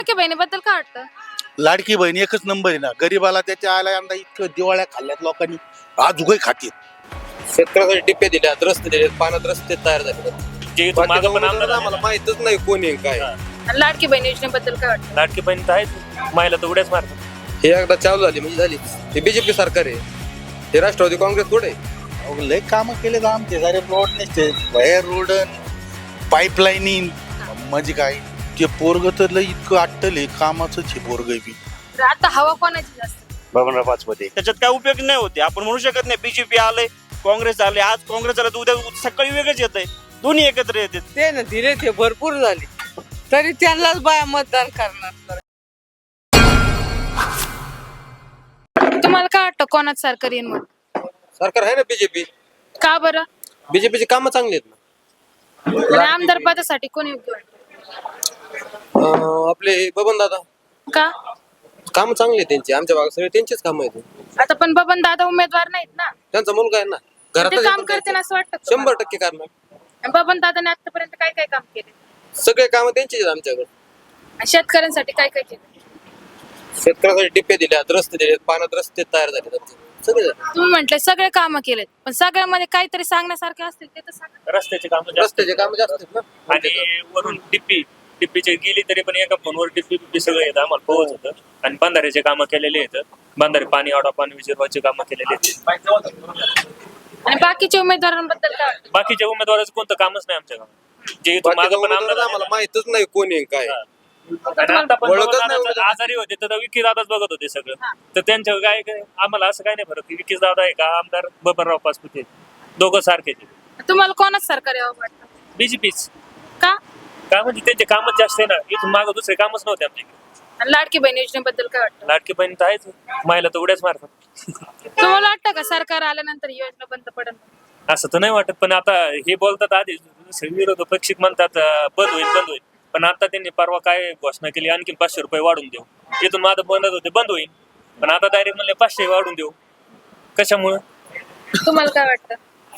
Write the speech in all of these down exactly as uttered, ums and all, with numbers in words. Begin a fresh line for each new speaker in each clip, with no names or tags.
लाडकी बहिणीबद्दल काय वाटतं?
लाडकी बहीण एकच नंबर आहे ना. गरीबाला त्याच्या आला यंदा इतकं दिवाळ्या खाल्ल्यात लोकांनी, आज उगाई खातील.
शेतकऱ्यासाठी टिप्पे दिल्यात, रस्ते दिलेत, पाण्यात रस्ते तयार झाले.
जे इथून मागं पण आमदार
आम्हाला माहितच नाही कोणी आहे काय.
आणि लाडकी बहीण योजनेबद्दल काय वाटतं?
लाडकी बहीण तर आहेच, महिला तर उड्याच मारतात.
हे एकदा चालू झाली म्हणजे झालीच. हे बीजेपी सरकार आहे, हे राष्ट्रवादी काँग्रेस थोडे.
अहो, लय कामं केले तर आमचे सारे रोड नसते, बाहेर रोड पाईपलाईनिंग म्हणजे काय ते पोरग तर लय इतकं अट्टले कामाचं छे पोरग बी.
तर आता हवा कोणाची जास्त?
बाबनराव पाचपुते.
त्याच्यात काय उपयोग नाही होते. आपण म्हणू शकत नाही बीजेपी आले, काँग्रेस आले, आज काँग्रेस आलं तर उद्या सकाळी वेगळंच येत आहे. दोन्ही एकत्र येतात.
ते ना धीरे ते भरपूर झाले तरी त्यांनाच बाया मतदान करणार.
तुम्हाला काय वाटतं कोणाच सरकार येईल मग?
सरकार आहे ना बीजेपी.
का बरं?
बीजेपीची कामं चांगली आहेत ना.
आणि आमदार पदासाठी कोण योग्य वाटतं?
अं, आपले बबन दादा
का?
कामं चांगली आहेत त्यांची. आमच्या भागात सगळे त्यांचीच कामं आहेत.
आता पण बबन दादा उमेदवार नाहीत ना,
त्यांचा मुलगा आहे ना
ते
घरात
काम करते असं वाटतं का
शंभर
तुम्हाला?
टक्के करणार.
बबन दादाने आतापर्यंत काय काय काम केले?
सगळे कामं त्यांचीच आहेत आमच्याकडे.
आणि शेतकऱ्यांसाठी काय काय केलं?
शेतकऱ्यासाठी टिप्पे दिल्यात, रस्ते दिलेत, पाण्यात रस्ते तयार झाले. सगळे
तुम्ही म्हटले सगळे काम केलेत, पण सगळ्यामध्ये काहीतरी सांगण्यासारखे असतील ते तर सांगा.
रस्त्याचे काम जास्त
रस्त्याचे कामं जास्त आहेत ना.
आणि वरून टिप्पी टिप्पीचे गेली तरी पण एका फोनवर टिप्पी टिप्पी सगळं येतं आम्हाला पोहोच होतं. आणि बंधाऱ्याचे कामं केलेले आहेत. बंधारे पाणी आडा पाणी विजर्वाचे कामं केलेले आहेत.
आणि बाकीच्या उमेदवारांबद्दल काय वाटतं?
बाकीच्या उमेदवाराचं कोणतं कामच नाही आमच्या गावात. जे इथून
बाकीच्या
मागं पण
उमेदवाराला
आमदार
आम्हाला माहितच नाही कोणी आहे काय.
आणि आता पण
ओळखच
बघा
नाही
ना,
उमेदवार.
आजारी होते तर विकी दादाच बघत होते सगळं. तर त्यांच्या काय काय आम्हाला असं काय नाही फरक की विकीच दादा आहे का आमदार बबनराव पाचपुते, दोघं सारखेच.
तुम्हाला कोणाच सरकार यावं वाटतं?
बीजेपीच
का?
काय म्हणजे त्यांचे कामच जास्त आहे ना. इथून मागं दुसरे कामच नव्हते आमच्याकडे.
आणि लाडकी बहीण योजनेबद्दल काय वाटतं?
लाडकी बहीण तर आहेच, महिला तर उड्याच मारतात.
तुम्हाला वाटतं का सरकार आल्यानंतर ही योजना बंद पडेल?
असं तर नाही वाटत, पण आता हे बोलतात आधी विरोध पक्षिक म्हणतात अं, बंद होईल बंद होईल. पण आता त्यांनी परवा काय घोषणा केली, आणखी पाचशे रुपये वाढून देऊ. इथून माझं बंद होते बंद होईल, पण आता डायरेक्ट म्हणले पाचशे वाढून देऊ. कशामुळं?
तुम्हाला काय वाटतं?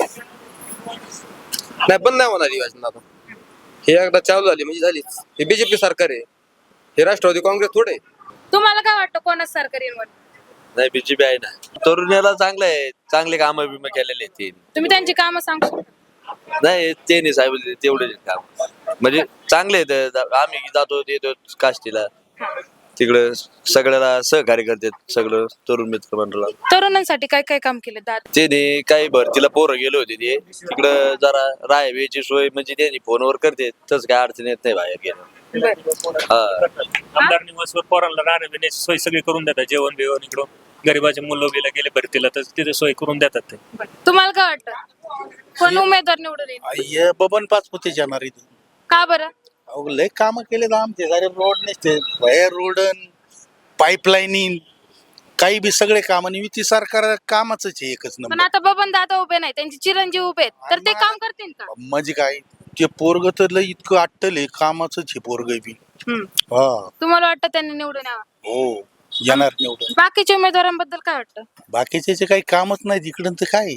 नाही बंद नाही होणार ही योजना आता. हे एकदा चालू झाली म्हणजे झालीच. हे बीजेपी सरकार आहे, हे राष्ट्रवादी काँग्रेस थोडे.
तुम्हाला काय वाटतं कोणाच सरकार येईल म्हणून?
नाही बीजेपी आहे ना. तरुणाला चांगलं आहे, चांगले काम बिम केलेले आहेत ते.
तुम्ही त्यांची कामं सांगू शकता?
नाही ते नाही साहेब तेवढे काम म्हणजे चांगले आहेत. आम्ही जातो येतो काष्टीला तिकडं सगळ्याला सहकार्य करतात सगळं तरुण मित्र मंडळाला.
तरुणांसाठी काय काय काम केले दादा?
त्याने काही भरतीला पोरं गेले होते ते तिकडं जरा राहायची सोय म्हणजे त्यांनी फोनवर करते तसं काय अडचण येत नाही बाहेर गेलं. हा
आमदार निवासवर पोरांना राहण्या पिण्याची सोय सगळी करून देतात. जेवण बिवण इकडून गरीबाच्या मुलं गेले भरतीला तर तिथे सोय करून देतात ते.
तुम्हाला काय वाटतं कोण उमेदवार निवडून येईल?
हे बबन पाचपुते जाणार इथं.
का बरं?
अहो, लय कामं केले तर आमचे सारे रोड नसते, बाहेर रोड पाईपलाईनिंग काही बी सगळे काम आणि युती सरकार कामाच आहे एकच
पण
नंबर.
आता बबन दादा उभे नाही, त्यांचे चिरंजीव उभे आहेत, तर ते काम करतील का?
म्हणजे काय ते पोरग तर लय इतकं अट्टले कामाच आहे पोरग बी.
हम्म.
हा
तुम्हाला वाटतं त्यांनी निवडून यावं?
हो येणार निवडून.
बाकीच्या उमेदवारांबद्दल काय वाटतं?
बाकीचे काही कामच नाही इकडं तर काय.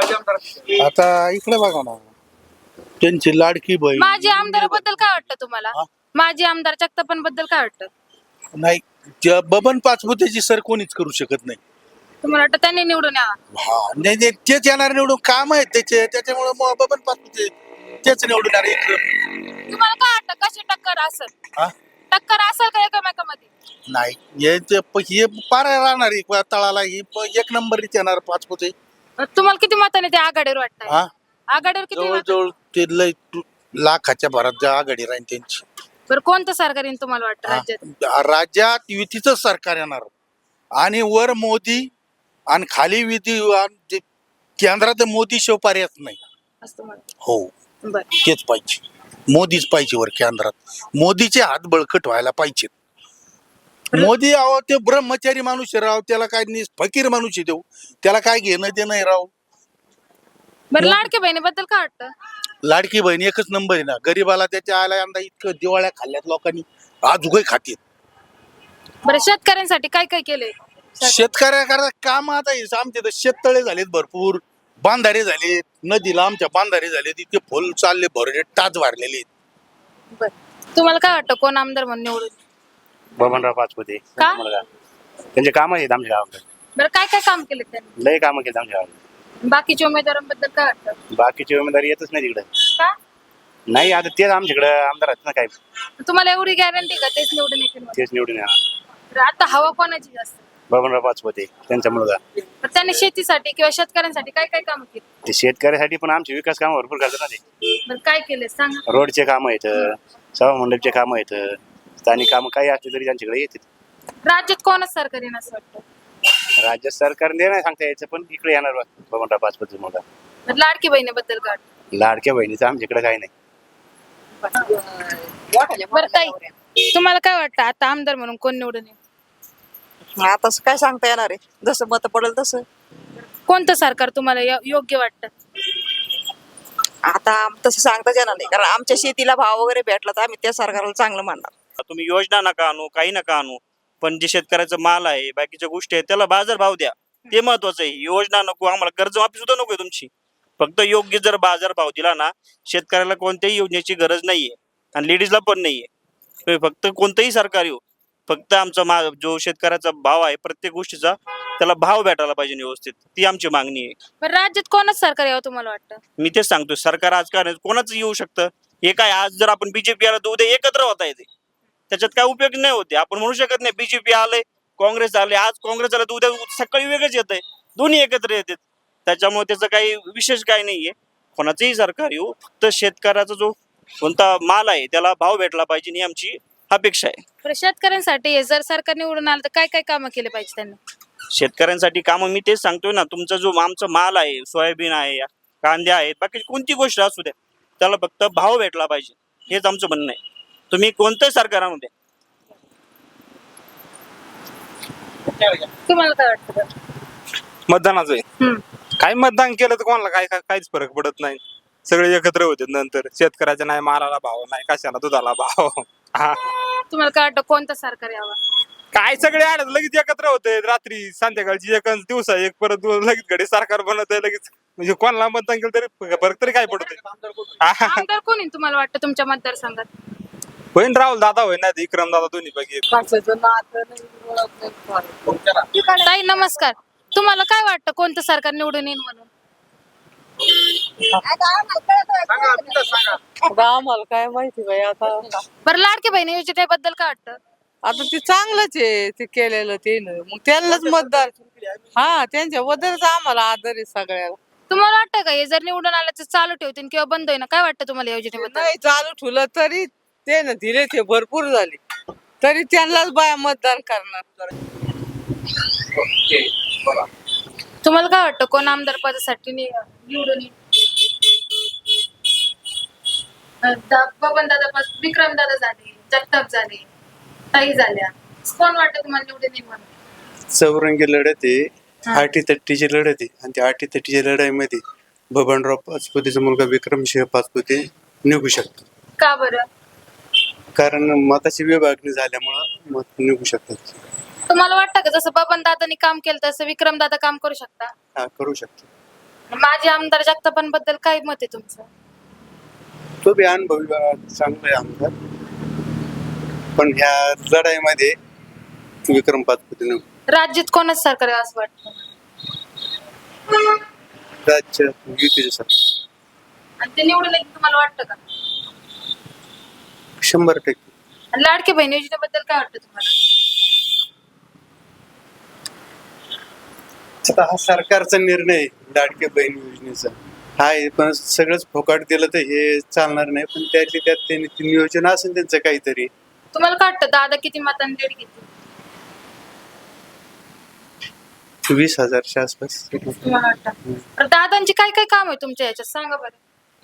आता इकडे बघा ना त्यांची लाडकी बहीण
माजी आमदाराबद्दल काय वाटतं तुम्हाला?
हा?
माजी आमदार जगतापांबद्दल काय वाटतं?
नाही त्या बबन पाचपुतेची सर कोणीच करू शकत नाही.
तुम्हाला वाटतं त्यांनी निवडून यावं?
हा नाही नाही, तेच येणार निवडून काम आहेत त्याचे त्याच्यामुळे मग बबन पाचपुते तेच निवडून येणार इकडं.
तुम्हाला काय वाटतं कशी टक्कर असेल?
हा?
टक्कर असेल का एकमेकांमध्ये?
नाही हे ते प- हे पार राहणार एक तळाला ही प- एक नंबर येणार पाचपुते.
तुम्हाला किती मताने ते आघाडीवर वाटतंय?
हा
आघाडीवर किती मतं?
जवळजवळ ते लय लाखाच्या भरात ज्या आघाडी राहील त्यांची.
बरं कोणतं सरकार येईल तुम्हाला वाटतं
हा.
राज्यात?
राज्यात युतीचं सरकार येणार आणि वर मोदी आणि खाली युती आणि ते केंद्रात मोदी शिव पर्यायच नाही.
असं म्हणतो.
हो
बरं.
तेच पाहिजे, मोदीच पाहिजे वर केंद्रात. मोदीचे हात बळकट व्हायला पाहिजेत. मोदी आहो ते ब्रह्मचारी माणूस आहे राव, त्याला काय नाही फकीर माणूस आहे देऊ, त्याला काय घेणं ते नाही राव.
बरं लाडक्या बहिणीबद्दल काय वाटतं?
लाडकी बहीण एकच नंबर आहे ना. गरीबाला त्याच्या आला यंदा इतकं दिवाळ्या खाल्ल्यात लोकांनी, आज उगाई खातील.
बरं शेतकऱ्यांसाठी काय काय केलंय?
शेतकऱ्याकरता काम आता हे आमचे तर शेततळे झालेत भरपूर, बांधारे झालेत, नदीला आमच्या बांधारे झालेत, इतके फुल चालले भरले टाच भरलेले आहेत.
बरं तुम्हाला काय वाटतं कोण आमदार म्हणून निवडून?
बबनराव पाचपुते
का?
मुलगा त्यांचे काम आहेत आमच्या गावाकडे
बरं काय काय काम केले त्यांनी?
लय कामं केली आमच्या गावाकडे
बाकीच्या उमेदवारांबद्दल काय वाटतं?
बाकीची उमेदवारी येतच नाही तिकडे
का?
नाही आता तेच आमच्याकडे आमदार आहेत ना काय
तुम्हाला एवढी गॅरंटी का तेच निवडून येतील म्हणून?
तेच निवडून येणार
बरं, आता हवा कोणाची जास्त?
बबनराव पाचपुते त्यांचा मुलगा
तर त्यांनी शेतीसाठी किंवा शेतकऱ्यांसाठी काय काय काम केली?
ते शेतकऱ्यासाठी पण आमचे विकास कामं भरपूर करतात ना ते
बरं काय केले सांगा.
रोडचे कामं आहेत सभा मंडपचे कामं आहेत स्थानिक कामं काही असले तरी त्यांच्याकडे येतात
राज्यात कोणच सरकार येणार असं वाटतं?
राज्य सरकारने नाही सांगता यायचं पण इकडे येणार बा, बबनराव पाचपुते मुलगा
बरं, लाडकी बहिणीबद्दल काय वाटतं?
लाडक्या बहिणीचं आमच्याकडे काही नाही
बरं ताई, तुम्हाला काय वाटतं आता आमदार म्हणून कोण निवडून येईल?
आता काय सांगता येणार आहे, जसं मत पडेल तसं.
कोणतं सरकार तुम्हाला यो- योग्य वाटतं?
आता तसं सांगताच येणार नाही, कारण आमच्या शेतीला भाव वगैरे भेटला तर आम्ही त्या सरकारला चांगलं मानणार.
तुम्ही योजना नका आणू काही नका आणू, पण जे शेतकऱ्याचा माल आहे बाकीच्या गोष्टी आहेत त्याला बाजार भाव द्या, ते महत्वाचं आहे. योजना नको आम्हाला, कर्जमाफी सुद्धा नको तुमची, फक्त योग्य जर बाजार भाव दिला ना, शेतकऱ्याला कोणत्याही योजनेची गरज नाहीये आणि लेडीजला पण नाहीये. फक्त कोणतंही सरकार येऊ, फक्त आमचा मा जो शेतकऱ्याचा भाव आहे प्रत्येक गोष्टीचा त्याला भाव भेटायला पाहिजे व्यवस्थित, ती आमची मागणी आहे.
बरं, राज्यात कोणच सरकार यावं तुम्हाला वाटतं?
मी तेच सांगतोय, सरकार आजकाल कोणाच येऊ शकतं. हे काय आज जर आपण बीजेपी आला तर उद्या एकत्र होता येते, त्याच्यात काय उपयोग नाही होते. आपण म्हणू शकत नाही बीजेपी आलंय काँग्रेस आले, आज काँग्रेस आलं तर उद्या सकाळी वेगळंच येत आहे, दोन्ही एकत्र येतात. त्याच्यामुळे त्याचं काही विशेष काही नाहीये. कोणाचंही सरकार येऊ, फक्त शेतकऱ्याचा जो कोणता माल आहे त्याला भाव भेटला पाहिजे ही आमची अपेक्षा आहे.
बरं, शेतकऱ्यांसाठी जर सरकार निवडून आलं तर काय काय कामं केले पाहिजे त्यांनी?
शेतकऱ्यांसाठी कामं मी तेच सांगतोय ना, तुमचा जो आमचा माल आहे, सोयाबीन आहे, कांदे आहेत, बाकी कोणती गोष्ट असू द्या, त्याला फक्त भाव भेटला पाहिजे, हेच आमचं म्हणणं आहे. तुम्ही कोणत्याही सरकारामध्ये द्या.
तुम्हाला काय वाटतं बरं?
मतदानाचं आहे.
हम्म.
काय मतदान केलं तर कोणाला काय काय- काहीच फरक पडत नाही, सगळे एकत्र होते. नंतर शेतकऱ्याच्या नाही मालाला भाव नाही, कशाला दुधाला भाव. हा
तुम्हाला काय वाटतं कोणतं सरकार यावं?
काय सगळे आले लगेच एकत्र होते, रात्री संध्याकाळची एक अन दिवसा एक, परत लगेच घडी सरकार बनत आहे लगेच. म्हणजे कोणाला मतदान केलं तरी फरक तरी काय पडतोय.
आमदार कोणी तुम्हाला वाटतं तुमच्या मतदारसंघात?
होईन राहुल दादा होईन नाही विक्रम दादा, दोन्ही पैकी एक.
ताई नमस्कार, तुम्हाला काय वाटतं कोणतं सरकार निवडून येईल म्हणून?
आम्हाला काय माहिती बाई आता.
बरं, लाडकी बहिणी योजनेबद्दल काय वाटतं?
आता ते चांगलंच आहे ते केलेलं ते, मग त्यांनाच मतदार. हा, त्यांच्याबद्दलच आम्हाला आदर आहे सगळ्याला.
तुम्हाला वाटतं का हे जर निवडून आलं तर चालू ठेवतील किंवा बंद होईल? काय वाटतं तुम्हाला योजनेबद्दल?
नाही चालू ठेवलं तरी ते ना दिले ते भरपूर झाले, तरी त्यांनाच बाया मतदान करणार.
तुम्हाला काय वाटतं कोण आमदार पदासाठी नि- निवडून येईल? बबन दादा, विक्रम दादा झाले, जगताप झाले, ताई झाल्या, कोण वाटतं तुम्हाला निवडून येईल म्हणून?
चौरंगी लढत आहे, आठी तट्टीची लढत आहे आणि त्या आठी तट्टीच्या लढाईमध्ये बबनराव पाचपुतेचा मुलगा विक्रमसिंह पाचपुते निघू शकतो.
का बरं?
कारण मताची विभागणी झाल्यामुळं मत निघू शकतात.
तुम्हाला वाटतं का जसं बबन दादानी काम केलं तसं विक्रम दादा काम करू शकता?
हा, करू शकतो.
माझे आमदार जगतापांबद्दल काय मत आहे तुमचं?
तो बी अनुभवी चांगला आहे आमदार, पण ह्या लढाईमध्ये विक्रम पाचपुते निघू.
राज्यात कोणच सरकार आहे असं वाटतं?
राज्य युतीचे सरकार
आणि ते निवडून येईल तुम्हाला वाटतं का?
शंभर टक्के.
आणि लाडकी बहीण योजनेबद्दल काय वाटतं तुम्हाला?
आता हा सरकारचा निर्णय आहे, लाडक्या बहीण योजनेचा आहे, पण सगळंच फोकाट दिलं तर हे चालणार नाही. पण त्यातली त्यात त्यांनी ती नियोजन असेल त्यांचं काहीतरी.
तुम्हाला काय वाटतं दादा किती मतांनी लीड घेतील?
वीस हजारच्या आसपास.
तुम्हाला वाटतं? तर दादांची काय काय काम आहे तुमच्या याच्यात सांगा बरं.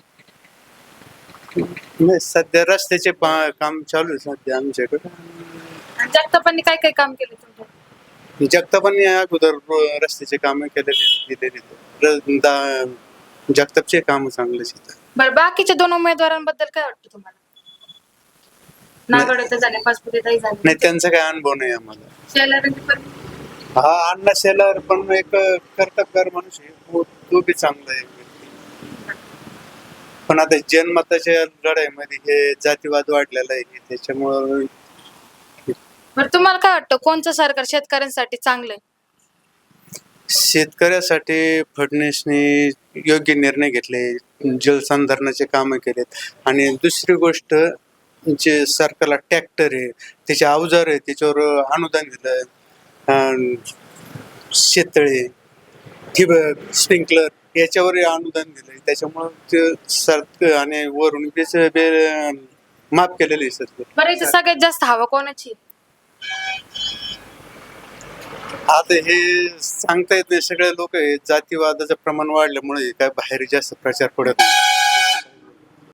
नाही, सध्या रस्त्याचे पा- काम चालू आहे सध्या आमच्याकडे.
आणि जगतापांनी काय काय काम केले तुमच्या?
जगतापांनी अगोदर रो- रस्त्याचे काम केलेले दिलेले. जगतापचे काम चांगलेच आहेत.
बरं, बाकीच्या दोन उमेदवारांबद्दल काय वाटतं तुम्हाला? नागडे तर झाले, पाचपुते ताई झाले,
नाही, त्यांचा काही अनुभव नाही आम्हाला.
शेलारांची पण
हा, अण्णा शेलार पण एक कर्तबगार माणूस आहे, तो तो बी चांगला आहे. पण आता जनमताच्या लढाईमध्ये हे जातीवाद वाढलेला आहे, त्याच्यामुळं
बरं तुम्हाला काय वाटतं कोणचं सरकार शेतकऱ्यांसाठी चांगलं आहे?
शेतकऱ्यासाठी फडणवीसने योग्य निर्णय घेतले, जलसंधारणाचे कामं केलेत. आणि दुसरी गोष्ट, जे सरकारला ट्रॅक्टर आहे, त्याचे अवजार आहे, त्याच्यावर अनुदान दिलं. अं, शेततळे, ठिबक, स्प्रिंकलर याच्यावर अनुदान दिलंय. त्याच्यामुळं ते सर आणि वरून बेच बे माफ केलेलं आहे सर.
बरं इथं सगळ्यात जास्त हवा कोणाची?
आता हे सांगता येत नाही. सगळे लोक जातीवादाचं प्रमाण वाढल्यामुळे काय बाहेर जास्त प्रचार पडत नाही.